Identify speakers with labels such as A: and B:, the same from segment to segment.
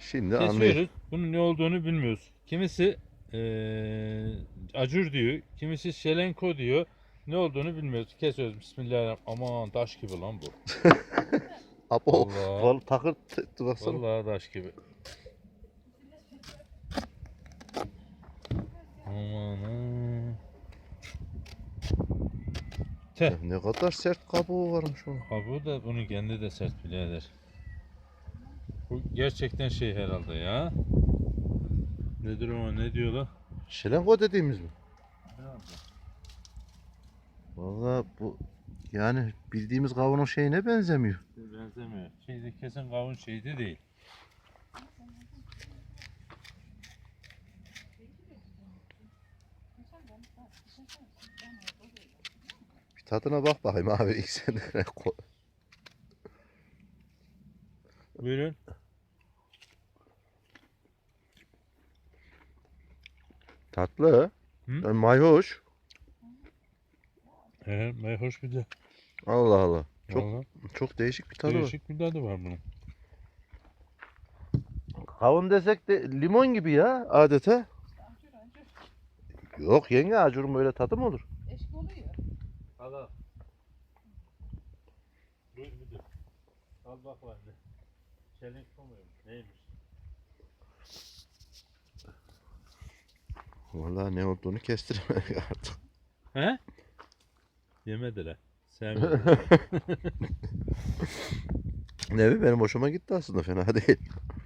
A: Şimdi anlayın.
B: Kesiyoruz. Bunun ne olduğunu bilmiyoruz. Kimisi acur diyor. Kimisi şelenko diyor. Ne olduğunu bilmiyoruz. Kesiyoruz. Bismillahirrahmanirrahim. Aman taş gibi lan bu.
A: Apo
B: Vallahi.
A: takır baksana.
B: Vallahi taş gibi. Aman ha. Teh.
A: Ne kadar sert kabuğu varmış onun.
B: Kabuğu da bunun kendi de sert birader. Bu gerçekten şey herhalde ya. Nedir o, ne diyorlar?
A: Şelengo dediğimiz mi? Vallahi bu yani bildiğimiz kavunun şeyine benzemiyor.
B: Benzemiyor. Şeyde kesin kavun şeydi değil.
A: Bir tadına bak bakayım abi ilk sen de.
B: Buyurun.
A: Tatlı.
B: Hı?
A: Yani mayhoş.
B: Hoş bir de.
A: Allah Allah. Çok
B: Vallahi
A: çok değişik bir tadı var.
B: değişik bir tadı var bunun.
A: Kavun desek de limon gibi ya adeta. Yok yenge acurun böyle tadı mı olur?
C: Eşk oluyor.
B: Al al. Buyur müdür. Al bak var ne. Çelenk muymuş? Neymiş?
A: Vallahi ne olduğunu kestiremedik artık.
B: He? Yemediler. Sevmediler.
A: Ne benim hoşuma gitti aslında fena değil.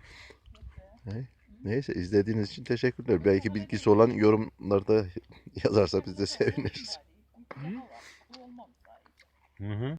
A: Neyse izlediğiniz için teşekkürler. Belki bilgisi olan yorumlarda yazarsa biz de seviniriz.
B: Hı hı.